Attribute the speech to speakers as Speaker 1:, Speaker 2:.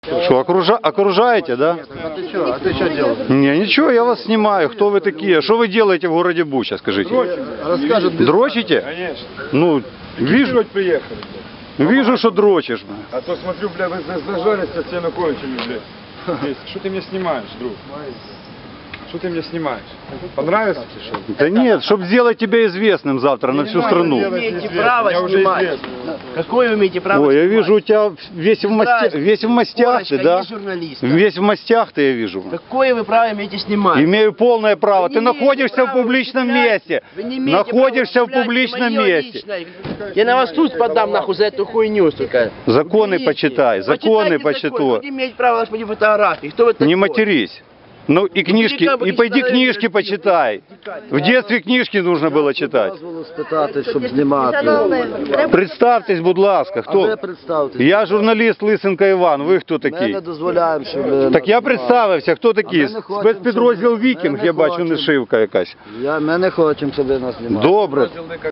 Speaker 1: Что, окружаете, да?
Speaker 2: А ты что делаешь?
Speaker 1: Не, ничего, я вас снимаю. Кто вы такие? Что вы делаете в городе Буча, скажите?
Speaker 2: Расскажет без...
Speaker 1: Дрочите?
Speaker 3: Конечно.
Speaker 1: Ну, вижу,
Speaker 3: приехали.
Speaker 1: вижу, что дрочишь.
Speaker 3: А то смотрю, бля, вы зажались, а стену кончили, блядь. Что ты меня снимаешь, друг? Что ты меня снимаешь? Понравится?
Speaker 1: Да нет, чтобы сделать тебя известным завтра на всю страну.
Speaker 4: Вы имеете право снимать. Какое вы имеете право
Speaker 1: Ой, я
Speaker 4: снимать?
Speaker 1: вижу, у тебя весь в мастях ты, да?
Speaker 4: Есть журналист.
Speaker 1: Весь в мастях ты, я вижу.
Speaker 4: Какое вы право имеете снимать?
Speaker 1: Имею полное право.
Speaker 4: Вы
Speaker 1: Ты
Speaker 4: не имеете
Speaker 1: находишься в
Speaker 4: права
Speaker 1: публичном
Speaker 4: употреблять.
Speaker 1: месте.
Speaker 4: Вы не имеете
Speaker 1: Находишься
Speaker 4: права
Speaker 1: в публичном
Speaker 4: употреблять
Speaker 1: месте.
Speaker 4: моё личное. Я на вас суд подам, нахуй, за эту хуйню, сука.
Speaker 1: Законы
Speaker 4: Уберите.
Speaker 1: почитай, законы
Speaker 4: Почитайте закон.
Speaker 1: почитай.
Speaker 4: Вы не имеете права даже по фотографии. Кто вы такой?
Speaker 1: Не матерись. Ну и книжки, и пойди книжки почитай. В детстве книжки нужно было читать.
Speaker 2: Дозволу спитати, щоб знімати.
Speaker 1: Представтесь, будь ласка,
Speaker 2: А ви
Speaker 1: хто?
Speaker 2: представтесь.
Speaker 1: Я журналіст Лисенко Іван, ви хто
Speaker 2: Ми не
Speaker 1: такий?
Speaker 2: дозволяємо, щоб...
Speaker 1: Так я представився, хто такий?
Speaker 2: А ми не хочемо,
Speaker 1: Спецпідрозділ
Speaker 2: щоб ви-
Speaker 1: Вікінг,
Speaker 2: ми не
Speaker 1: я бачу,
Speaker 2: хочемо.
Speaker 1: нашивка якась.
Speaker 2: Ми не хочемо, щоб ви нас знімали.
Speaker 1: Добре.